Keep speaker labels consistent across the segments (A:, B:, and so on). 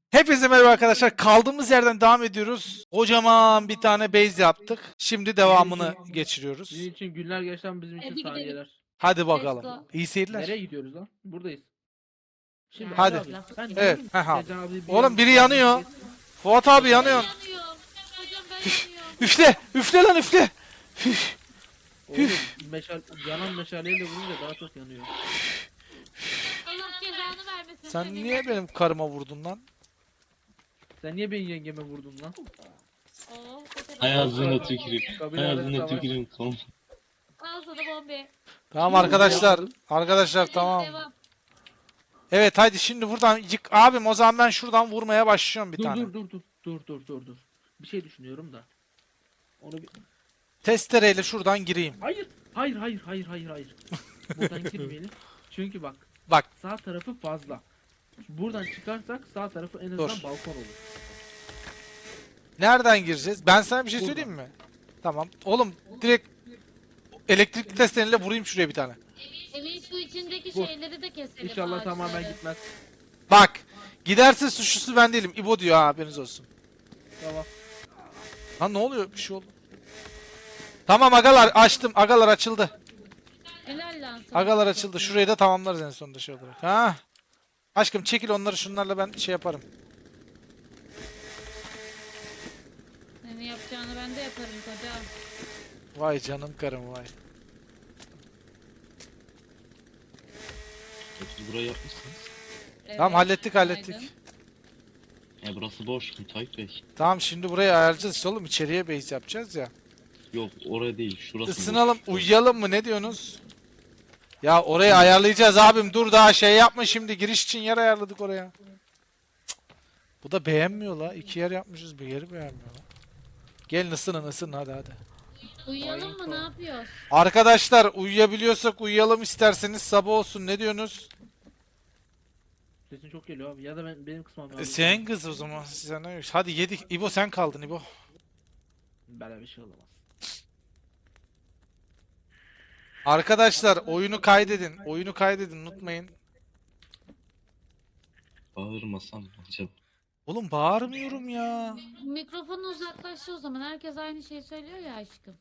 A: Hepinize merhaba arkadaşlar. Kaldığımız yerden devam ediyoruz. Kocaman bir tane base yaptık. Şimdi devamını geçiriyoruz.
B: Sizin için günler geçten bizim için
C: Hadi gidelim.
B: saniyeler.
A: Hadi
C: Let's
A: bakalım.
C: go.
A: İyi seyirler.
B: Nereye gidiyoruz lan? Buradayız. Şimdi
A: Hadi.
B: Ali abi, ben
A: Evet,
B: dedim
A: heh abi.
B: Sezen abi
A: Oğlum biri yanıyor. Fuat abi yanıyor.
C: Yanıyor. Hocam ben yanıyorum.
A: Üfle. Üfle lan üfle. Üf.
B: Oğlum yanan meşaleyle vurunca daha çok yanıyor.
C: Allah cezanı vermesin.
A: Sen
C: seni.
A: niye benim karıma vurdun lan?
B: Sen niye benim yengeme vurdun lan?
C: Oh, o kadar.
D: Hay ağzına tüküreyim.
B: Kabile
D: Hay
B: arası
D: ağzına
B: savaş.
D: tüküreyim. Tamam.
C: Al sana bombe.
A: Tamam arkadaşlar. Arkadaşlar tamam.
C: Devam.
A: Evet hadi şimdi buradan yık. Abim o zaman ben şuradan vurmaya başlıyorum bir
B: Dur
A: tane.
B: dur. Bir şey düşünüyorum da. Onu bir...
A: Testereyle şuradan gireyim.
B: Hayır. Buradan girmeyelim. Çünkü bak.
A: Bak.
B: Sağ tarafı fazla. Buradan çıkarsak sağ tarafı en azından
A: Dur.
B: balkon olur.
A: Nereden gireceğiz? Ben sana bir şey
B: Buradan.
A: söyleyeyim mi? Tamam. Oğlum direkt elektrikli testereyle vurayım şuraya bir tane.
C: Evin şu içindeki
B: Vur.
C: şeyleri de keselim.
B: İnşallah
C: ağaçları.
B: tamamen gitmez.
A: Bak. Giderse suçlusu ben değilim. İbo diyor ha haberiniz olsun.
B: Tamam.
A: Lan ne oluyor? Bir şey oldu. Tamam agalar açtım. Agalar açıldı.
C: Helal lan sana.
A: Agalar açıldı. Şurayı da tamamlarız en sonunda şey olarak. Ha? Aşkım çekil onları şunlarla ben şey yaparım.
C: Senin yapacağını ben de yaparım koca.
A: Vay canım karım vay.
D: Siz burayı yapmışsınız.
C: Evet,
A: Tamam hallettik
C: günaydın.
A: hallettik.
D: Ya burası boş. Müteahhit Bey.
A: Tamam şimdi burayı ayarlayacağız işte oğlum. İçeriye base yapacağız ya.
D: Yok oraya değil. Şurası
A: Isınalım
D: boş.
A: uyuyalım mı ne diyorsunuz? Ya orayı ayarlayacağız abim dur daha şey yapma şimdi giriş için yer ayarladık oraya. Cık. Bu da beğenmiyor la. İki yer yapmışız bir yeri beğenmiyor la. Gelin ısının hadi.
C: Uyuyalım mı ne yapıyoruz?
A: Arkadaşlar uyuyabiliyorsak uyuyalım isterseniz sabah olsun ne diyorsunuz?
B: Sesin çok geliyor abi. Ya da benim kısmım lazım.
A: Sen kız o zaman sen ne? Hadi yedik. İbo sen kaldın İbo.
B: Böyle bir şey olamaz.
A: Arkadaşlar oyunu kaydedin. Oyunu kaydedin unutmayın.
D: Bağırmasam mı acaba?
A: Oğlum bağırmıyorum ya.
C: Mikrofonu uzaklaştı o zaman. Herkes aynı şeyi söylüyor ya aşkım.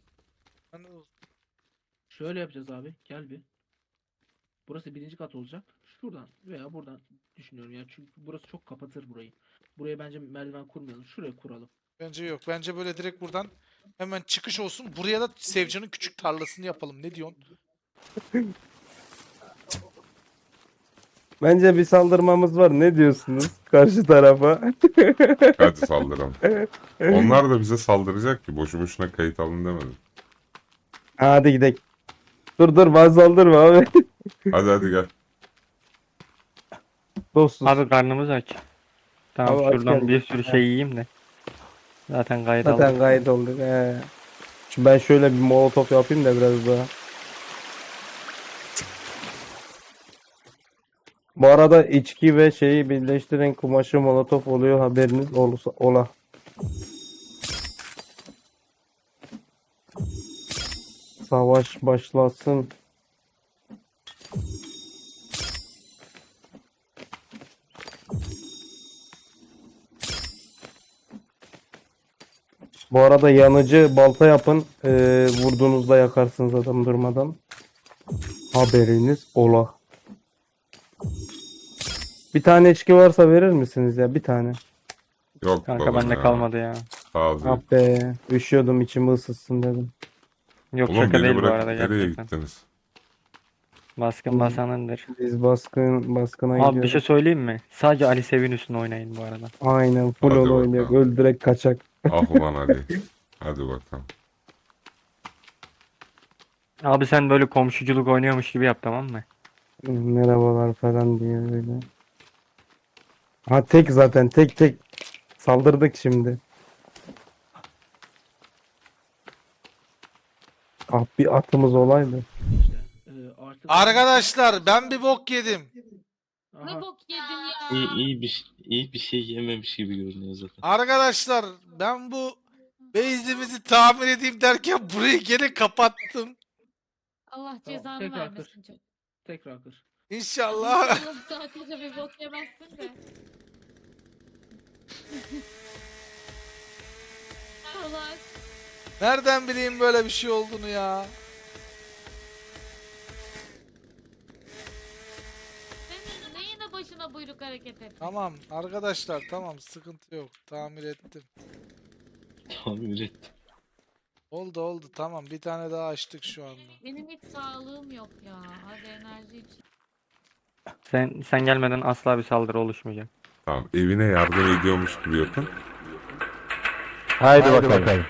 B: Şöyle yapacağız abi. Gel bir. Burası birinci kat olacak. Şuradan veya buradan düşünüyorum ya. Çünkü burası çok kapatır burayı. Buraya bence merdiven kurmayalım. Şuraya kuralım.
A: Bence yok. Bence böyle direkt buradan hemen çıkış olsun. Buraya da Sevcan'ın küçük tarlasını yapalım. Ne diyorsun?
E: Bence bir saldırmamız var. Ne diyorsunuz karşı tarafa?
F: Hadi saldıralım. Onlar da bize saldıracak ki boşu boşuna kayıt alın demedim.
E: Hadi gidelim. Dur bana saldırma abi.
F: Hadi gel.
E: Dostuz.
G: Abi karnımız aç. Tamam
E: Abi aç
G: şuradan
E: geldik.
G: bir sürü şey yiyeyim de. Zaten gayet
E: Zaten
G: aldık.
E: gayet olduk. He. Şimdi ben şöyle bir molotof yapayım da biraz daha. Bu arada içki ve şeyi birleştiren kumaşı molotof oluyor haberiniz olursa ola. Savaş başlasın. Bu arada yanıcı balta yapın. Vurduğunuzda yakarsınız adam durmadan. Haberiniz ola. Bir tane içki varsa verir misiniz ya? Bir tane.
F: Yok
G: Kanka
F: babam
G: bende
F: ya.
G: kalmadı ya.
F: Ağzı.
E: Ah be. Üşüyordum içimi ısıtsın dedim.
G: Yok
F: Oğlum
G: şaka
F: beni
G: değil bu
F: bırakıp
G: arada
F: nereye
G: gerçekten.
F: gittiniz?
G: Baskın basanındır.
E: Biz baskına
G: Abi bir
E: gidiyoruz.
G: şey söyleyeyim mi? Sadece Ali Sevin üstüne oynayın bu arada.
E: Aynen full
F: Hadi
E: onu oynuyor.
F: bakalım.
E: Öldürek kaçak.
F: Ah ulan Ali. Hadi bakalım.
G: Abi sen böyle komşuculuk oynuyormuş gibi yap tamam mı?
E: Merhabalar falan diye böyle. Ha tek zaten tek. Saldırdık şimdi. Ah bir atımız olaydı.
B: İşte artık...
A: Arkadaşlar ben bir bok yedim.
B: Aha,
C: Ne bok yedin ya?
D: İyi bir şey yememiş gibi görünüyor zaten.
A: Arkadaşlar ben bu base'imizi tamir edeyim derken burayı gene kapattım.
C: Allah
B: Tamam,
C: cezanı
B: tekrar
C: vermesin çok.
B: tekrar kır.
A: İnşallah.
C: Allah sadece bir bok yemezsin de. yapıyorlar.
A: Nereden bileyim böyle bir şey olduğunu ya?
C: Senin neyine başına buyruk hareket et.
A: Tamam arkadaşlar, tamam, sıkıntı yok. Tamir ettim.
D: Tamir ettim.
A: Oldu tamam, bir tane daha açtık şu anda.
C: Benim hiç sağlığım yok ya. Hadi enerji için.
G: Sen gelmeden asla bir saldırı oluşmayacak.
F: Tamam, evine yardım ediyormuş gibi yapın.
E: Haydi bakalım.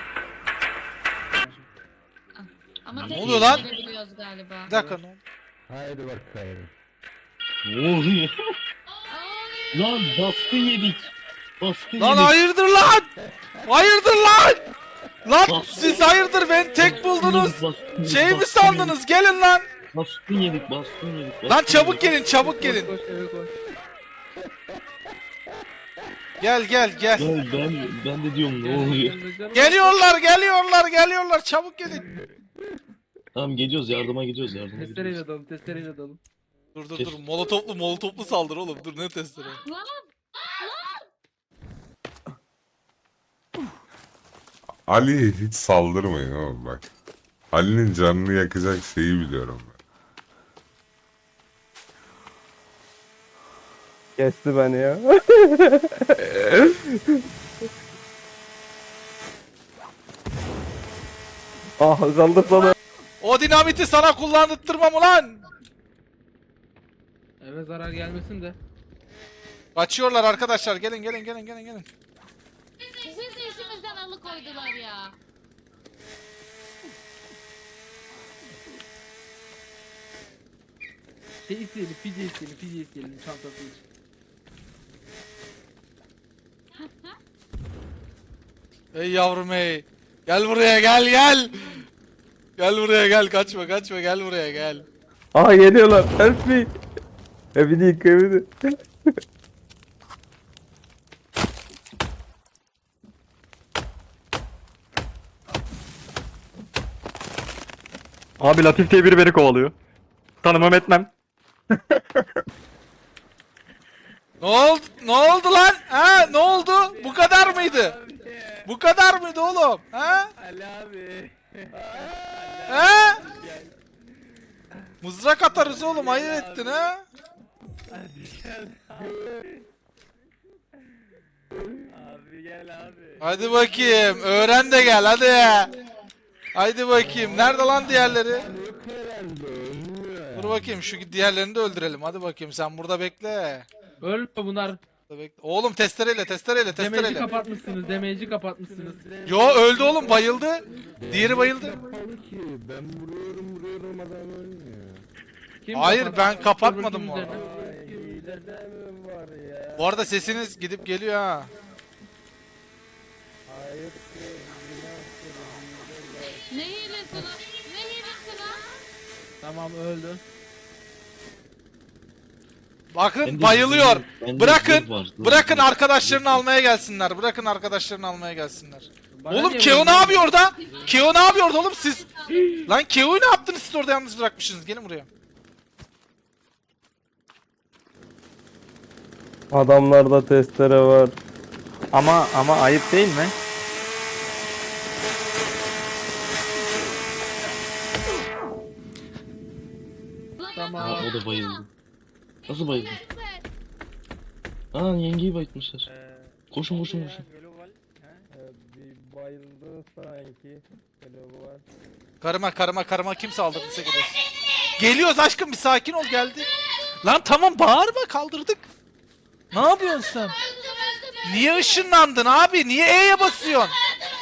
C: Ama
D: Ne
C: tek
A: oluyor lan?
C: biliyoruz galiba.
A: Bir dakika, ne oldu?
E: Haydi bakalım.
D: Ne oluyor? Lan baskın yedik. Baskın
A: Lan
D: yedik.
A: hayırdır lan? Hayırdır lan? Lan
D: Baskın
A: siz hayırdır, beni tek buldunuz. Şey mi sandınız? Gelin lan.
D: Baskın yedik, baskın yedik.
A: Lan
D: baskın
A: çabuk
D: yedik.
A: gelin, çabuk gelin.
B: Koş eve koş.
A: Gel.
D: Ya ben de diyorum ne oluyor?
A: Geliyorlar, çabuk gelin.
D: Tamam geliyoruz, yardıma gidiyoruz, yardıma gidiyoruz.
B: Testereyle dalın, testereyle dalın.
A: Dur, molotoplu saldır oğlum, dur, ne testere.
C: Lan
F: Ali'ye hiç saldırmayın oğlum bak. Ali'nin canını yakacak şeyi biliyorum ben.
E: Kesti beni ya. Kaldır sana.
A: O dinamiti sana kullandırtmam ulan.
B: Eve zarar gelmesin de.
A: Kaçıyorlar arkadaşlar, gelin.
C: bizi işimizden alıkoydular ya.
B: Şey isteyelim, fidye isteyelim çantası için.
A: Ey yavrum ey. Gel buraya, gel. Gel buraya, gel, kaçma, gel buraya, gel.
E: Aha geliyorlar. Help me. Evini yık evini.
G: Abi Latif diye biri beni kovalıyor. Tanımam etmem.
A: Ne oldu lan? Ha, ne oldu? Bu kadar mıydı? Bu kadar mıydı oğlum? Ha?
B: Ali abi.
A: Ha? Mızrak atarız oğlum, hayır ettin ha?
B: Abi gel abi.
A: Hadi bakayım, öğren de gel hadi. Haydi bakayım, nerede lan diğerleri? Dur bakayım, şu diğerlerini de öldürelim. Hadi bakayım, sen burada bekle.
B: Ölme bunlar.
A: Burada bekle. Oğlum testereyle.
B: Damage'i kapatmışsınız, damage'i kapatmışsınız.
A: Yo, öldü oğlum, bayıldı. Diğeri bayıldı.
E: Ben vuruyorum adam ölmüyor.
B: Kim
A: Hayır,
B: kapattı?
A: ben kapatmadım bu
B: Öbürkünün
A: arada.
B: üzerine.
E: Hileden mi var ya?
A: Bu arada sesiniz gidip geliyor ha.
E: Hayır.
C: Ne hilesi lan? Ne hilesi lan?
B: Tamam öldü.
A: Bakın
D: Bende
A: bayılıyor.
D: bende
A: Bırakın.
D: zırh var, zırh
A: Bırakın
D: var.
A: arkadaşlarını almaya gelsinler. Bırakın arkadaşlarını almaya gelsinler.
B: Bana
A: Oğlum
B: niye
A: Keo ne
B: vuruyorsun?
A: yapıyor orada? Keo ne yapıyor orada oğlum siz? Lan Keo'yu ne yaptınız siz orada yalnız bırakmışsınız? Gelin buraya.
E: Adamlarda testere var.
G: Ama ayıp değil mi?
C: Lan
B: Tamam.
D: Aa, o da bayıldı. Nasıl bayıldı? Aa yengeyi bayıltmışlar. Koşun.
E: Bir bayıldı sanki.
A: Karıma kim saldırdıysa gelir. Geliyoruz aşkım, bir sakin ol, geldi. Lan tamam, bağırma, kaldırdık. Ne yapıyorsun sen? Niye ışınlandın abi? Niye E'ye basıyorsun?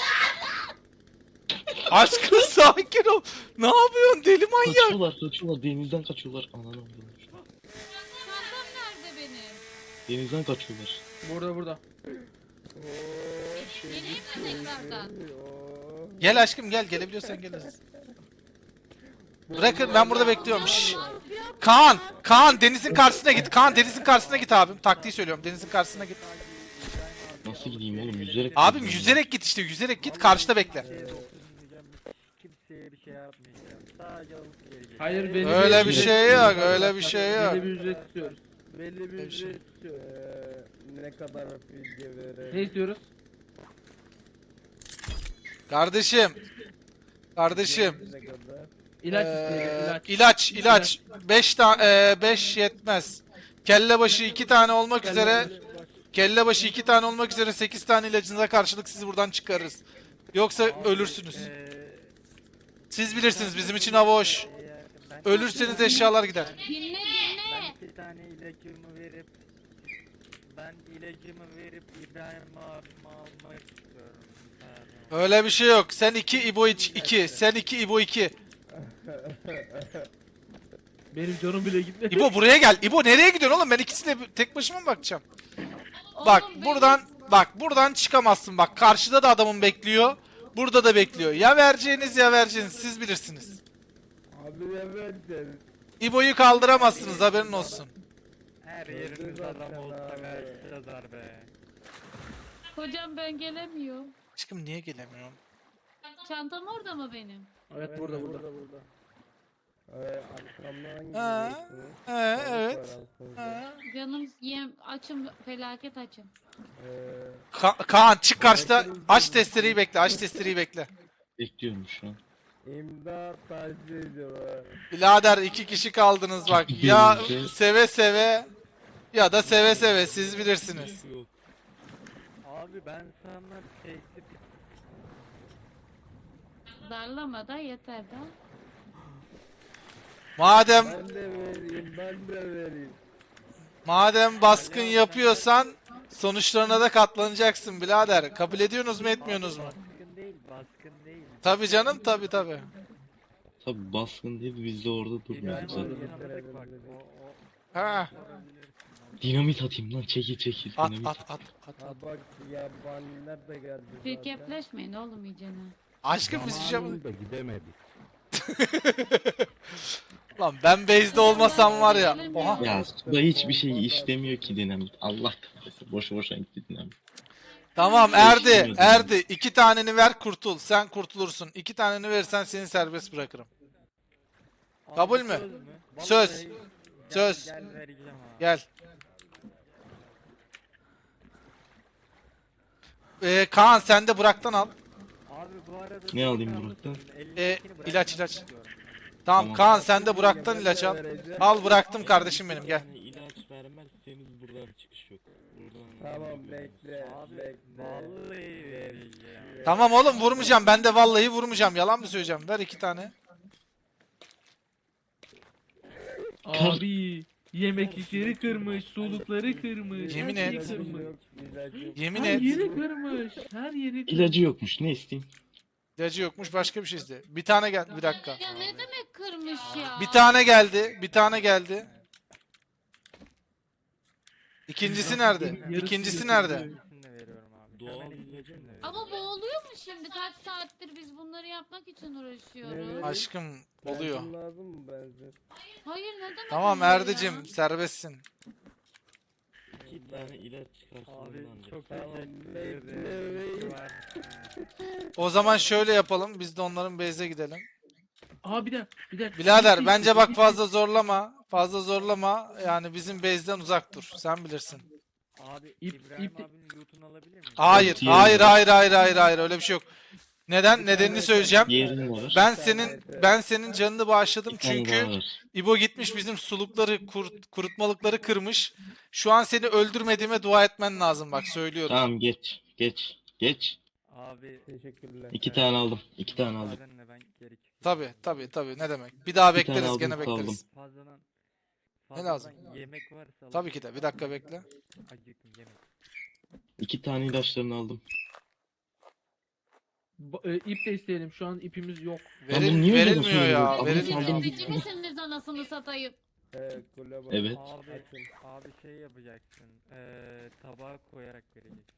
A: Aşkım sakin ol. Ne yapıyorsun deli manyak?
D: Kaçıyorlar. Denizden kaçıyorlar. Ananı avradım.
C: çantam nerede benim?
D: Denizden kaçıyorlar.
B: Burada.
C: Geleyim mi tekrardan?
A: Gel aşkım, gelebiliyorsan gel. Bırakın, ben burada bekliyorum. Şşş. Kaan denizin karşısına git. Kaan denizin karşısına git abim. Taktiği söylüyorum, denizin karşısına git.
D: Nasıl gideyim oğlum, yüzerek.
A: Abim yüzerek git işte, yüzerek git, karşıda bekle.
B: Hayır belli
A: Öyle bir
B: ücret
A: şey
B: istiyoruz.
A: yok, öyle bir şey yok.
B: Belli bir ücret istiyoruz.
E: Belli bir
A: Bir şey.
E: ücret ne kadar fidye verir?
B: Ne istiyoruz?
A: Kardeşim. Kardeşim.
B: İlaç isteyelim,
A: İlaç. 5 yetmez. Kelle başı 2 tane olmak üzere. Kelle başı 2 tane olmak üzere 8 tane ilacınıza karşılık sizi buradan çıkarırız. Yoksa ölürsünüz. Siz bilirsiniz, bizim için hava hoş. Ölürseniz eşyalar gider.
C: Dinle.
H: Bir tane ilacımı verip İbrahim abime almak istiyorum. Bir tane.
A: Öyle bir şey yok. Sen 2 İbo 2. Sen 2 İbo 2.
B: Benim canım bile gitmedi.
A: İbo buraya gel. İbo nereye gidiyorsun oğlum? Ben ikisine tek başıma mı bakacağım? Bak
C: Oğlum,
A: buradan çıkamazsın. Bak karşıda da adamın bekliyor. Burada da bekliyor. Ya vereceğiniz siz bilirsiniz.
E: Abi ne verdin?
A: İbo'yu kaldıramazsınız, haberin olsun.
H: Her yerimiz adam olsa kaçacağız be.
C: Hocam ben gelemiyorum.
A: Aşkım niye gelemiyorum?
C: Çantam orada mı benim?
B: Evet burada.
E: Arkamdan
A: Ha,
E: geliyorsunuz.
A: evet.
E: Arkamdan.
A: Ha.
C: Canım açım, felaket açım.
A: Kaan çık karşıda. Aç testereyi bekle.
D: Bekliyorum şu an.
E: İmdat taciz ediyorlar.
A: Birader 2 kişi kaldınız bak. Ya seve seve ya da seve seve, siz bilirsiniz.
H: Abi ben sana teklif
C: Darlama da yeter de.
A: Madem
E: Ben de vereyim.
A: baskın yapıyorsan sonuçlarına da katlanacaksın birader. Kabul ediyorsunuz mu, etmiyorsunuz mu?
H: baskın değil.
A: Tabii canım, tabii.
D: Tabi baskın değil, biz de orada
H: İbrahim
D: durmuyoruz zaten.
H: abinin alacak bak.
A: Ha.
D: Dinamit atayım lan, çekil.
A: At.
E: Ha bak yabaniler de geldi zaten.
C: Çirkefleşmeyin oğlum iyicene.
A: Aşkım biz bir şey yapmadık.
I: da gidemedik.
A: Lan ben base'de olmasam var ya. Oha.
D: Ya suda hiçbir şey işlemiyor ki dinamit. Allah kahretsin, boşa gitti dinamit.
A: Tamam Erdi. 2 taneni ver kurtul. Sen kurtulursun. 2 taneni verirsen seni serbest bırakırım. Kabul mü? Söz.
H: Vallahi
A: Söz.
H: Gel vereceğim abi.
A: Gel. Kaan sen de Burak'tan al.
H: Abi bu arada
D: Ne alayım Burak'tan?
A: İlaç.
H: istiyorum.
A: Tamam
D: Tamam.
A: Kaan sen de Burak'tan ilaç al. Al bıraktım kardeşim benim, gel.
D: Yani ilaç vermezseniz buradan çıkış yok.
E: Tamam bekle.
H: Abi
E: Bekle.
H: vallahi vereceğim.
A: Tamam oğlum vurmayacağım. Ben de vallahi vurmayacağım. Yalan mı söyleyeceğim? Ver 2 tane.
B: Abi yemeklikleri kırmış, sulukları kırmış.
A: Yemin
B: her şeyi
A: et.
B: kırmış.
A: Yemin
B: Her
A: et.
B: yeri kırmış. Her yeri kırmış.
D: İlacı yokmuş, ne isteyeyim?
A: İlacı yokmuş, başka bir şey iste. Bir tane geldi, bir dakika.
C: Ya ne demek kırmış ya?
A: Bir tane geldi. İkincisi nerede? İkincisi nerede?
H: İkisini de veriyorum abi.
D: Doğal
H: Hemen
D: ilacı
H: ikisini de veriyorum.
C: Ama boğuluyor mu şimdi? Kaç saattir biz bunları yapmak için uğraşıyoruz.
A: Aşkım oluyor.
E: Benzin lazım mı benzin?
C: Hayır ne demek
A: Tamam
C: oluyor ya?
A: Erdicim serbestsin.
D: 2 tane ilaç çıkarsın
H: Abi
D: ancak.
H: çok
E: Tamam,
H: teşekkür
E: bekle,
H: ederim.
E: bekle.
H: Var.
A: O zaman şöyle yapalım. Biz de onların base'e gidelim.
B: Aa bir dakika.
A: Birader bence bak fazla zorlama. Fazla zorlama. Yani bizim base'den uzak dur. Sen bilirsin.
H: Abi
B: İp-
H: İbrahim
B: ip-
H: abinin lootunu alabilir miyim?
A: Hayır,
D: Diğeri
A: hayır,
D: var.
A: hayır. Öyle bir şey yok. Neden? Nedenini söyleyeceğim.
D: Diğerini var.
A: Ben senin canını bağışladım
D: Bir tane
A: çünkü
D: daha var.
A: İbo gitmiş bizim sulukları, kurutmalıkları kırmış. Şu an seni öldürmediğime dua etmen lazım bak, söylüyorum.
D: Tamam geç.
H: Abi
E: Teşekkürler.
D: 2 tane aldım. 2 tane aldım.
H: müsaadenle ben geri çıkıyorum.
A: Tabii ne demek. Bir daha
D: Bir tane
A: bekleriz,
D: aldım,
A: gene
D: kaldım.
A: bekleriz.
H: Fazladan
A: lazım?
H: yemek varsa
A: Tabii ki de. Bir dakika bekle.
H: acıktım yemek.
D: 2 tane ilaçlarını aldım.
B: İp de isteyelim. Şu an ipimiz yok.
D: Lan bunu niye öyle
A: Verilmiyor ya,
D: söylüyorsun?
A: verilmiyor.
D: Adam
C: Yönetici misiniz anasını satayım?
E: Kule bak.
D: Evet.
H: Abi,
E: Açın.
H: abi şey yapacaksın. Tabağa koyarak vereceksin.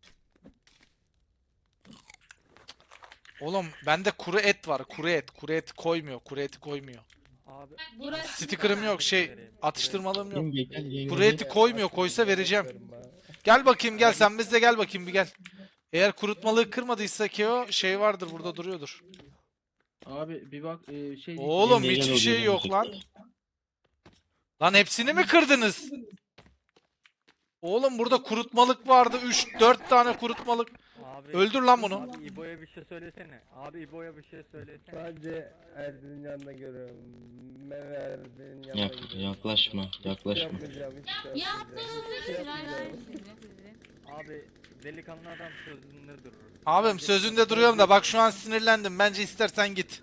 A: Oğlum bende kuru et var. Kuru et koymuyor. Kuru eti koymuyor.
H: Abi
C: Burası
A: Sticker'ım yok, atıştırmalım yok.
D: Yenge,
A: Kuru eti koymuyor. Koysa vereceğim. Gel bakayım, gel sen bizde, gel bakayım bir gel. Eğer kurutmalığı kırmadıysa ki o şey vardır, burada duruyordur.
B: Abi bir bak şey
A: Oğlum
D: Yenge, gel
A: hiçbir
D: o
A: şey
D: zaman.
A: yok lan. Lan hepsini mi kırdınız? Oğlum burada kurutmalık vardı. 3-4 tane kurutmalık.
H: Abi,
A: Öldür lan bunu.
H: Abi İbo'ya bir şey söylesene. Abi İbo'ya bir şey söylesene.
E: Sadece Erdin'in yanına görüyorum. Ben Erdin'in yanına
D: Yak, yaklaşma, yaklaşma.
E: Yapmayacağım, hiç şey
C: Yaptığınızı
E: yapmayacağım.
C: helal sizi.
H: Abi delikanlı adam sözünde durur.
A: Abim sözünde duruyorum da bak şu an sinirlendim. Bence istersen git.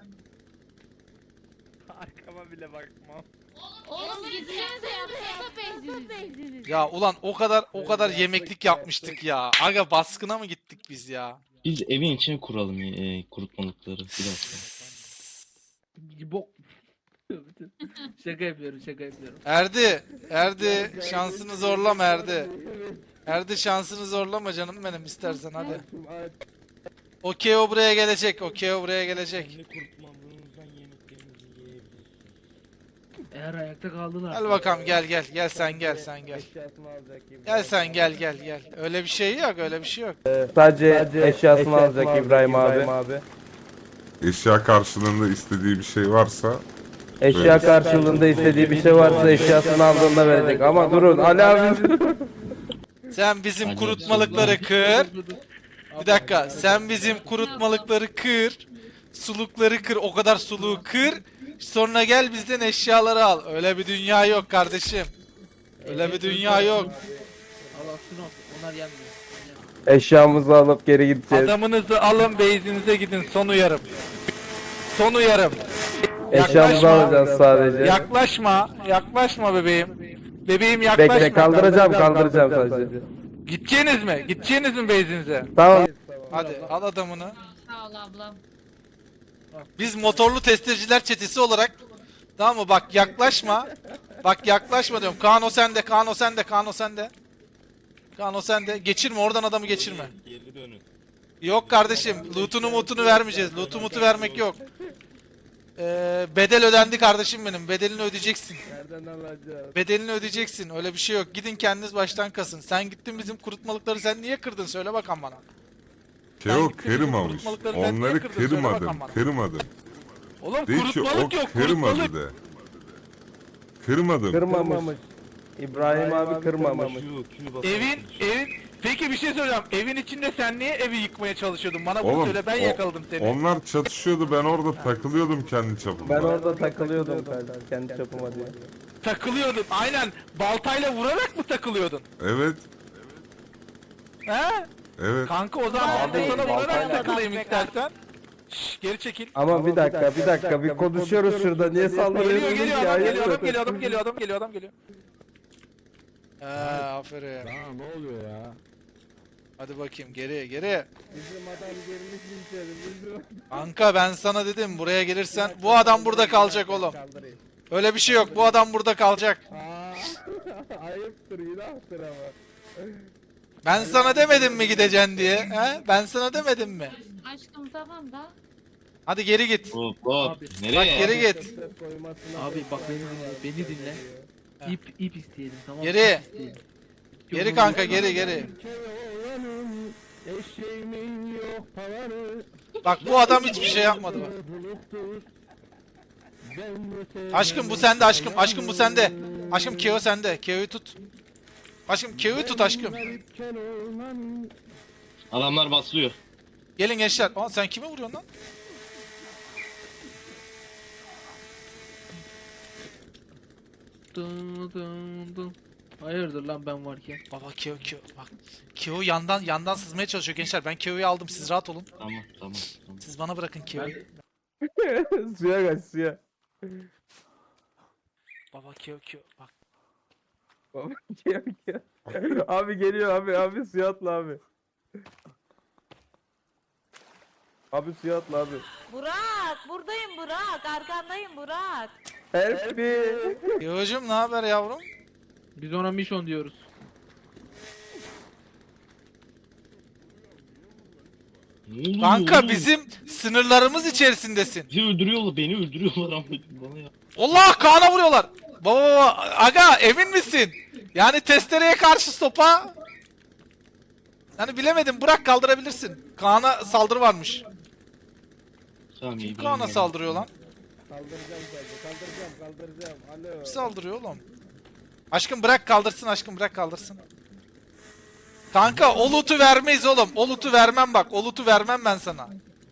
H: Arkama bile bakmam.
C: Oğlum gitsenize yapsanıza bezdiniz.
A: Ya ulan o kadar yemeklik yapmıştık ya. Aga baskına mı gittik biz ya?
D: Biz evin içine kuralım kurutmalıkları. Bir dakika.
B: Bok. Şaka yapıyorum, şaka yapıyorum.
A: Erdi şansını zorlama Erdi. Erdi şansını zorlama canım benim istersen hadi. Okey o buraya gelecek. Okey o buraya gelecek.
B: Eğer ayakta kaldılar.
A: Gel bakalım gel sen gel.
E: Eşyasını alacak gibi.
A: Gel sen gel. Öyle bir şey yok öyle bir şey yok.
E: Sadece eşyasını alacak İbrahim abi.
F: Eşya karşılığında istediği bir şey varsa
E: Eşya karşılığında istediği bir şey varsa eşyasını aldığında verecek. Ama durun Ali abi.
A: Sen bizim
D: Hadi
A: kurutmalıkları kır. Bir dakika sen bizim kurutmalıkları kır. Sulukları kır o kadar suluğu kır. Sonra gel bizden eşyaları al. Öyle bir dünya yok kardeşim. Öyle bir dünya yok.
B: Allah şunu al. Onlar yenmiyor.
E: Eşyamızı alıp geri gideceğiz.
A: Adamınızı alın base'inize gidin son uyarım. Son uyarım.
E: Eşyamızı alacağız sadece.
A: Yaklaşma bebeğim. Bebeğim
E: Bekle kaldıracağım sadece.
A: Gideceğiniz mi base'inize?
E: Tamam.
A: Hadi al adamını.
C: Sağ ol ablam.
A: Biz motorlu testeciler çetesi olarak tamam mı? Bak yaklaşma. Bak yaklaşma diyorum. Kaan o sende. Geçirme oradan adamı geçirme.
D: Geri dönün.
A: Yok kardeşim. Loot'unu vermeyeceğiz. Loot'u vermek yok. Bedel ödendi kardeşim benim. Bedelini ödeyeceksin.
E: Nereden alacağız?
A: Bedelini ödeyeceksin. Öyle bir şey yok. Gidin kendiniz baştan kasın. Sen gittin bizim kurutmalıkları sen niye kırdın? Söyle bakalım bana.
F: Keo
A: gittin bizim
F: kırmamış.
A: kurutmalıkları sen niye
F: Onları
A: kırdın? Söyle bakalım
F: kırmadım.
A: Oğlum
F: Değil ki o
A: kurutmalık yok.
F: kırmadı
A: Kurutmalık.
F: de. Kırmadım.
E: Kırmamış. İbrahim abi kırmamış.
A: Evin peki bir şey söyleyeceğim. Evin içinde sen niye evi yıkmaya çalışıyordun? Bana bunu
F: Oğlum,
A: söyle ben yakaladım seni.
F: Onlar çatışıyordu ben orada takılıyordum kendi çapımda.
E: Ben orada takılıyordum kendi çapıma diye.
A: Takılıyordun. Aynen. Baltayla vurarak mı takılıyordun?
F: Evet.
A: He?
F: Evet.
A: Kanka o zaman ben de sana vurarak takılayım istersen. Şşş geri çekil.
E: Ama bir dakika bir konuşuyoruz şurada niye sallıyorsunuz
A: Geliyor
E: ya?
A: adam geliyor. Aferin.
E: Ne oluyor ya?
A: Hadi bakayım geri.
E: Bizim adam gelmiş içeri.
A: Kanka ben sana dedim buraya gelirsen bu adam burada kalacak oğlum. Öyle bir şey yok. Bu adam burada kalacak.
E: Ayıptır günahtır ama.
A: Ben sana demedim mi gideceksin diye? He? Ben sana demedim mi?
C: Aşkım tamam da.
A: Hadi geri git.
D: Hop.
B: Abi.
D: Nereye?
A: Bak geri git.
B: Abi bak beni dinle. İp isteyelim tamam mı?
A: Geri.
B: İp isteyelim.
A: Geri kanka geri. Bak bu adam hiçbir şey yapmadı bak. Aşkım bu sende aşkım. Aşkım bu sende. Aşkım Keo sende. Keo'yu tut. Aşkım Keo'yu tut aşkım.
D: Adamlar basılıyor.
A: Gelin gençler. Aa sen kime vuruyorsun lan?
B: Dın. Hayırdır lan ben varken.
A: Baba Keo. Bak. Keo yandan sızmaya çalışıyor gençler. Ben Keo'yu aldım. Siz rahat olun.
D: Tamam.
A: Siz bana bırakın Keo'yu.
E: Suya kaç suya.
A: Baba Keo. Bak.
E: Abi geliyor abi suya atla abi. Abi suya atla abi.
I: Burak, buradayım Burak. Arkandayım Burak.
E: Help me.
A: Keo'cum ne haber yavrum?
B: Biz ona mission diyoruz.
D: Ne oluyor
A: Kanka
D: oğlum?
A: bizim sınırlarımız içerisindesin.
D: Beni öldürüyorlar Ahmet'im bana ya.
A: Allah Kaan'a vuruyorlar. Baba aga emin misin? Yani testereye karşı sopa. Yani bilemedim bırak kaldırabilirsin. Kaan'a saldırı varmış.
D: Tamam iyi.
A: Kaan'a saldırıyor lan.
E: Kaldıracağım. Alo.
A: Kim saldırıyor oğlum? Aşkım bırak kaldırsın aşkım bırak kaldırsın. Kanka o loot'u vermeyiz oğlum. O loot'u vermem bak. O loot'u vermem ben sana.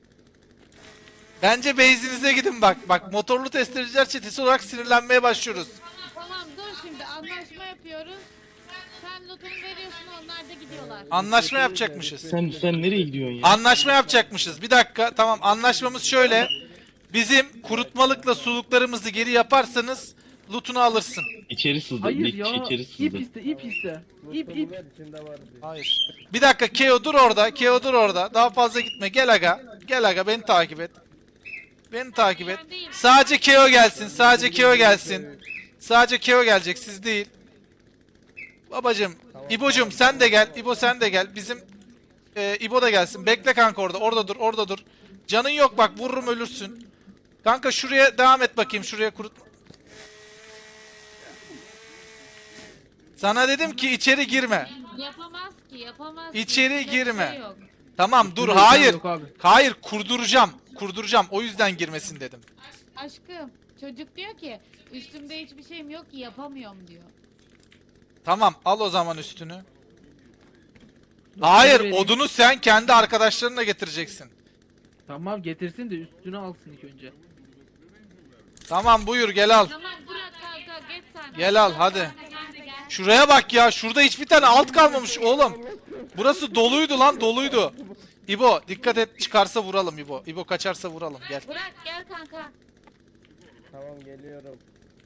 A: Bence base'inize gidin bak. Bak motorlu testereciler çetesi olarak sinirlenmeye başlıyoruz.
C: Tamam dur şimdi anlaşma yapıyoruz. Sen lootunu veriyorsun onlar da gidiyorlar.
A: Anlaşma yapacakmışız.
D: Sen nereye gidiyorsun ya?
A: Anlaşma yapacakmışız. Bir dakika. Tamam anlaşmamız şöyle. Bizim kurutmalıkla suluklarımızı geri yaparsanız loot'unu alırsın.
D: İçeri sızdı.
B: Hayır
D: İlk
B: ya.
D: içeri
B: İp
D: sızdı.
B: iste, ip iste. İp.
A: Hayır. Bir dakika Keo dur orada. Keo dur orada. Daha fazla gitme. Gel aga. Gel aga beni takip et. Beni takip et. Sadece Keo gelsin. Sadece Keo gelsin. Sadece Keo gelecek siz değil. Babacım. İbocum sen de gel. İbo sen de gel. Bizim İbo da gelsin. Bekle kanka orada. Orada dur. Orada dur. Canın yok bak vururum ölürsün. Kanka şuraya devam et bakayım. Şuraya kurut. Sana dedim ki içeri girme.
C: Yapamaz ki yapamaz.
A: İçeri
C: Yapacak bir
A: girme.
C: şey yok.
A: Tamam dur
B: Üstünde
A: hayır.
B: yok abi.
A: Hayır kurduracağım. Kurduracağım. O yüzden girmesin dedim.
C: Aşkım çocuk diyor ki üstümde hiçbir şeyim yok ki yapamıyorum diyor.
A: Tamam al o zaman üstünü. Hayır
B: vereyim.
A: odunu sen kendi arkadaşlarınla getireceksin.
B: Tamam getirsin de üstünü alsın ilk önce.
A: Tamam buyur gel al.
C: Tamam bırak kanka geç sen.
A: Gel al, hadi.
C: Sen de gel.
A: Şuraya bak ya şurada hiçbir tane alt kalmamış oğlum. Burası doluydu lan doluydu. İbo dikkat et çıkarsa vuralım İbo. İbo kaçarsa vuralım gel.
C: Bırak gel kanka.
E: Tamam geliyorum.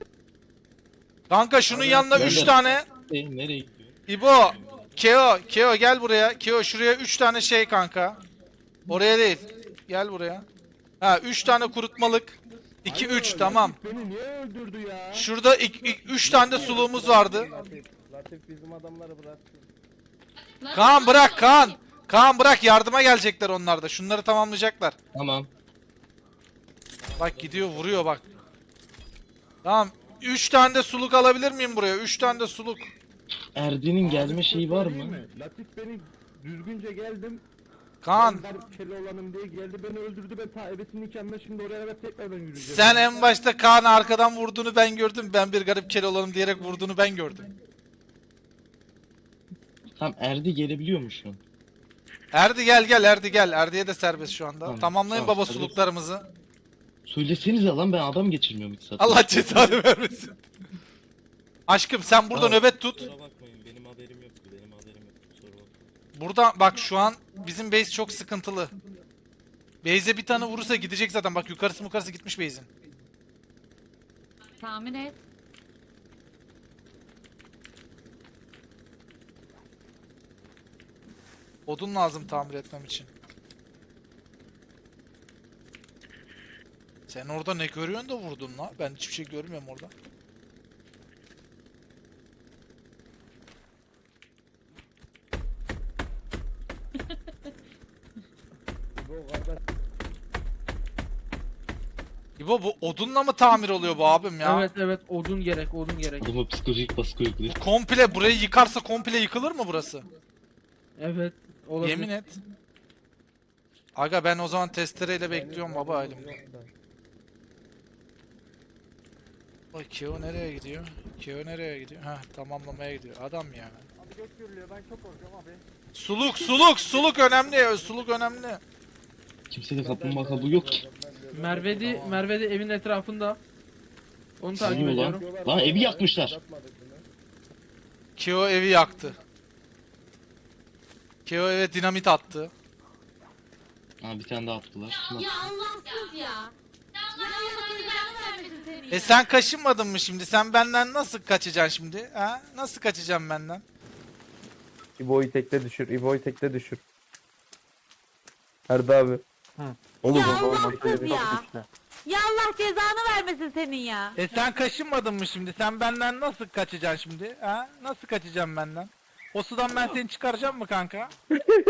A: Kanka şunun yanına 3 tane.
D: Nereye gidiyor?
A: İbo. Keo gel buraya. Keo şuraya 3 tane şey kanka. Oraya değil. Gel buraya. Ha 3 tane kurutmalık. 2 3 tamam.
E: Beni niye öldürdü ya?
A: Şurada 3 tane de suluğumuz vardı.
E: Latif bizim adamları bıraktı.
A: Kaan bırak Kaan. Kaan bırak yardıma gelecekler onlar da. Şunları tamamlayacaklar.
D: Tamam.
A: Bak gidiyor vuruyor bak. Tamam. 3 tane de suluk alabilir miyim buraya? 3 tane de suluk.
D: Erdi'nin gelme şeyi var mı?
E: Latif beni düzgünce geldim.
A: Kaan
E: Ben Keloğlan'ım diye geldi beni öldürdü ben ta ebesinin nikahında şimdi oraya evet tekrardan yürüyeceğim.
A: sen en başta Kaan'ı arkadan vurduğunu ben gördüm. Ben bir garip kel olalım diyerek vurduğunu ben gördüm.
D: Tamam Erdi gelebiliyor mu şu an?
A: Erdi gel Erdi gel. Erdi'ye de serbest şu anda.
D: Tamam,
A: Tamamlayın
D: tamam,
A: baba
D: serbest.
A: suluklarımızı.
D: Söylesenize lan ben adam geçirmiyorum hiç zaten.
A: Allah cezanı vermesin. Aşkım sen burada
D: Tamam.
A: nöbet tut.
D: Kusura bakmayın benim haberim yoktu benim haberim yoktu. Kusura bakmayın.
A: Burada bak şu an bizim base çok sıkıntılı. Base'e bir tane vurursa gidecek zaten. Bak yukarısı gitmiş base'in.
C: Tahmin et.
A: Odun lazım tamir etmem için. Sen orada ne görüyorsun da vurdun la? Ben hiçbir şey görmüyorum orada. İbo bu odunla mı tamir oluyor bu abim ya?
B: Evet odun gerek.
D: Adama psikolojik baskı uyguluyor.
A: Komple burayı yıkarsa komple yıkılır mı burası?
B: Evet olabilir.
A: Yemin et. Aga ben o zaman testereyle bekliyorum baba elimde. Ay Keo nereye gidiyor? Keo nereye gidiyor? Heh tamamlamaya gidiyor. Adam ya.
H: Abi göç görülüyor ben çok korkuyorum abi.
A: Suluk önemli. Suluk önemli.
D: Kimsede kaplumbağa kabuğu yok ki.
B: Merve de evin etrafında. Onu takip
D: Sızıyor lan.
B: ediyorum.
D: Lan evi yakmışlar.
A: Keo evi yaktı. Keo eve dinamit attı.
D: Ha bir tane daha attılar. Kim attı?
C: Ya Allahsız ya. Ya Allah cezanı vermesin seni.
A: Sen kaşınmadın mı şimdi? Sen benden nasıl kaçacaksın şimdi? Ha? Nasıl kaçacağım benden?
E: İbo'yu tekte düşür. Erdi abi.
F: Oğlum
I: Ya
F: o-
I: Allahsız ya. Ya Allah cezanı vermesin senin ya.
A: Sen kaşınmadın mı şimdi? Sen benden nasıl kaçacaksın şimdi? Ha? Nasıl kaçacağım benden? O sudan ben seni çıkaracağım mı kanka? Ha,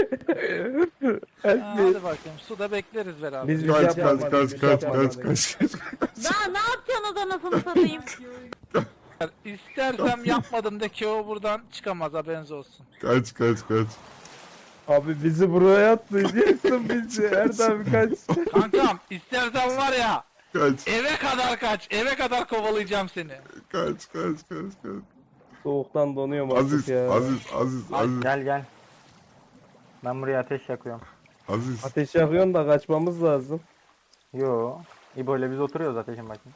A: hadi bakayım. Suda bekleriz beraber.
E: Biz
F: kaç
E: yapmadık,
F: kaç
E: biz
F: kaç
E: yapmadık.
F: kaç.
I: Daha ne yapacaksın o anasını satayım.
A: İstersem yapmadım de ki o buradan çıkamaz haberiniz olsun.
F: Kaç.
E: Abi bizi buraya atlayacaksın bizi. Erdi abi kaç.
A: Kankam istersen var ya
F: Kaç.
A: eve kadar kovalayacağım seni.
F: Kaç.
E: Soğuktan donuyorum
F: Aziz,
E: artık ya.
F: Aziz.
G: Gel. Ben buraya ateş yakıyorum.
F: Aziz.
E: Ateş yakıyorsun da kaçmamız lazım.
G: Yo. İbo ile biz oturuyoruz ateşin başında.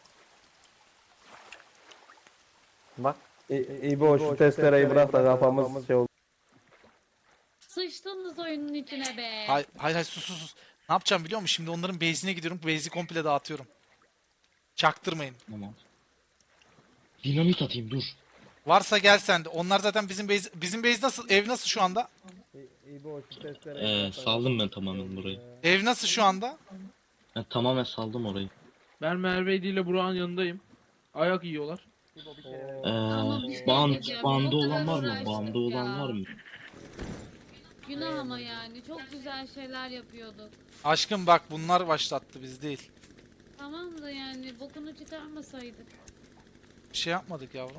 G: Bak.
E: İbo şu testereyi bırak da kafamız şey oldu.
C: Sıçtınız oyunun içine be.
A: Hayır hayır sus sus sus. Ne yapacağım biliyor musun? Şimdi onların base'ine gidiyorum. Base'i komple dağıtıyorum. Çaktırmayın.
D: Tamam. Dinamit atayım dur.
A: Varsa gel sen de. Onlar zaten bizim base nasıl? Ev nasıl şu anda?
E: İbo şu testereyi
D: Saldım ben tamamen burayı.
A: Ev nasıl şu anda?
D: Ben tamamen saldım orayı.
B: Ben Merve ile Burak'ın yanındayım. Ayak yiyorlar.
C: Ama bir şey
D: Band,
C: diyeceğim,
D: bandı
C: o
D: olan
C: kadar
D: var mı?
C: uğraştık
D: Bandı olan
C: ya.
D: var mı?
C: Günah ama yani. Çok güzel şeyler yapıyorduk.
A: Aşkım bak bunlar başlattı biz değil.
C: Tamam da yani bokunu çıkarmasaydık.
A: Bir şey yapmadık yavrum.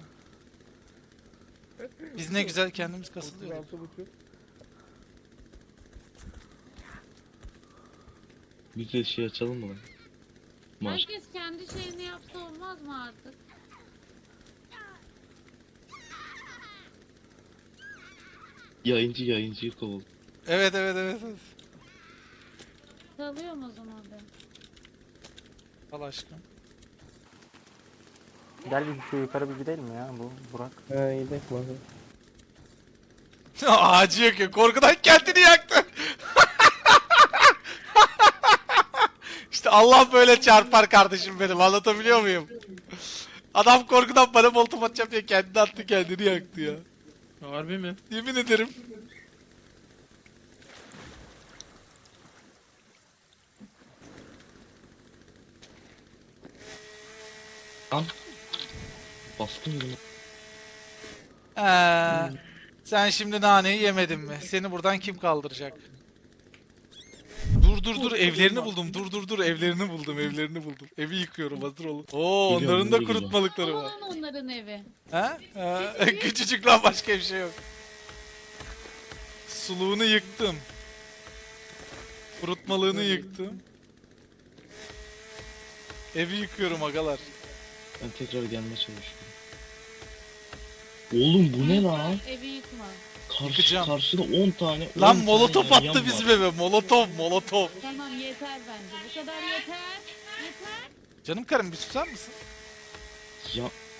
A: Biz ne güzel kendimiz kasılıyorduk.
E: 36,5.
D: Biz de şey açalım mı lan? Maç.
C: Herkes kendi şeyini yapsa olmaz mı artık?
D: Yayıncıyı kovul.
A: Evet evet evet. evet.
C: Salıyorum o zaman ben.
A: Al aşkım.
G: Gel bir şu yukarı bir gidelim ya bu Burak.
E: He gidelim bakalım.
A: Ağacı yakıyor. Korkudan kendini yaktı. İşte Allah böyle çarpar kardeşim benim. Anlatabiliyor muyum? Adam korkudan bana molotof atacağım diye kendini attı kendini yaktı ya.
B: Harbi mi?
A: Yemin ederim.
D: Baskın gibi.
A: Sen şimdi naneyi yemedin mi? Seni buradan kim kaldıracak? Dur evlerini buldum. Dur evlerini buldum. Evi yıkıyorum hazır olun. Oo
D: Biliyorum,
A: onların da
D: biliyorum.
A: kurutmalıkları var.
C: Olan onların evi.
A: Ha? Küçücük lan başka bir şey yok. Suluğunu yıktım. Kurutmalığını yıktım. Evi yıkıyorum agalar.
D: Ben tekrar gelmeye çalışıyorum. Oğlum bu ne lan?
C: Evi yıkma.
A: Yıkacağım.
D: Karşıda 10 tane. 10
A: Lan
D: tane
A: molotof
D: yan
A: attı
D: var.
A: bizim eve. Molotof.
C: Tamam yeter bence. Bu kadar yeter. Yeter.
A: Canım karım bir susar mısın?
D: Ya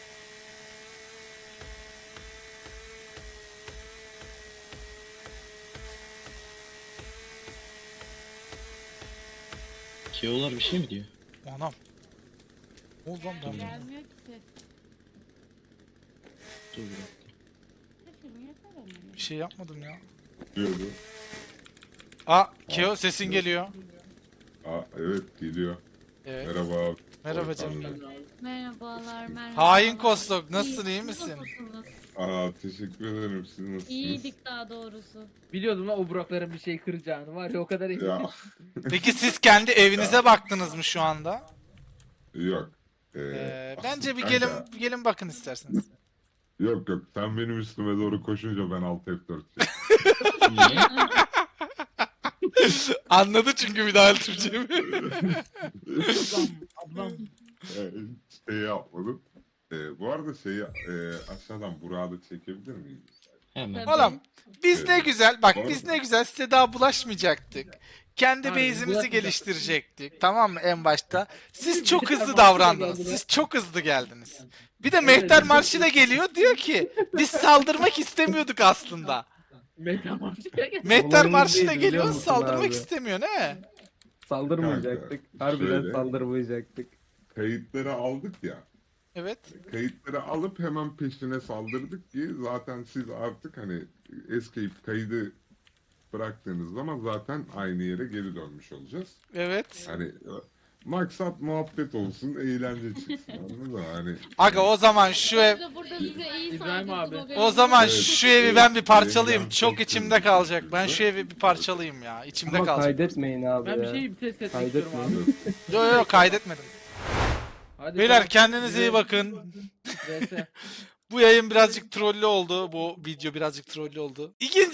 D: Keolar bir şey mi diyor?
A: Anam. Ne oldu lan ben?
C: Gelmiyor ki ses.
D: Dur bir dakika.
C: Sesim yeter ama.
A: Bir şey yapmadım ya.
F: Diyordu.
A: Aa Keo sesin geliyor.
F: Aa, evet geliyor.
A: Evet.
F: Merhaba.
A: Merhaba canım.
C: Merhabalar, merhaba.
A: Hain Kostok nasılsın iyi misin?
C: Nasılsınız?
F: Aa, teşekkür ederim. Siz nasılsınız?
C: İyiydik daha doğrusu.
B: Biliyordum lan o Burak'ların bir şey kıracağını var ya o kadar iyi.
F: Ya
A: Peki siz kendi evinize baktınız mı şu anda?
F: yok.
A: Bence bir
F: kanka,
A: gelin bakın isterseniz.
F: Yok sen benim üstüme doğru koşunca ben alt F4
D: Niye?
A: Anladı çünkü bir daha Türkçemi.
B: Ablam.
F: şey yapmadım. Bu arada aşağıdan Burak'ı da çekebilir miyiz?
D: Hemen.
A: Oğlum biz ne güzel bak
F: Doğru.
A: biz ne güzel size daha bulaşmayacaktık. Kendi
B: Aynen,
A: base'imizi
B: bulaşmayacaktık.
A: geliştirecektik tamam mı en başta. Siz çok hızlı
B: Marşı da
A: davrandınız.
B: geldi.
A: Siz çok hızlı geldiniz. Bir de Mehter Marşı da geliyor diyor ki biz saldırmak istemiyorduk aslında.
B: Meta Marşı'ya gel.
A: Mehter
E: Olayımız
A: Marşı da
E: değil, biliyor
A: geliyor
E: musun
A: saldırmak
E: abi?
A: istemiyor ne?
E: Saldırmayacaktık.
F: Kanka,
E: Harbiden
F: şöyle.
E: saldırmayacaktık.
F: Kayıtları aldık ya.
A: Evet.
F: Kayıtları alıp hemen peşine saldırdık ki zaten siz artık hani escape kaydı bıraktığınız zaman zaten aynı yere geri dönmüş olacağız.
A: Evet.
F: Hani maksat muhabbet olsun, eğlence çıksın anladın mı? Hani
A: Aga o zaman şu ev
C: Burada size iyi
B: İbrahim
C: saygısı
B: abi.
C: oluyor.
A: o zaman
F: Evet,
A: şu evi ben bir parçalayayım.
F: evet,
A: Çok
F: çok
A: içimde
F: güzel.
A: kalacak. Ben şu evi bir parçalayayım ya. İçimde
E: Ama
A: kalacak.
E: kaydetmeyin abi
B: Ben bir
E: ya.
B: şeyi bir test etmek
E: Kaydetmeyin.
B: istiyorum abi.
A: Yo kaydetmedim.
B: Hadi
A: Beyler
B: tamam.
A: kendinize iyi bakın.
B: VS.
A: Bu yayın birazcık trollü oldu. Bu video birazcık trollü oldu.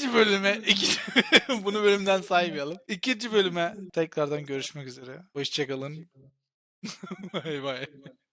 A: Bunu bölümden saymayalım. İkinci bölüme tekrardan görüşmek üzere. Hoşçakalın. Bay bay.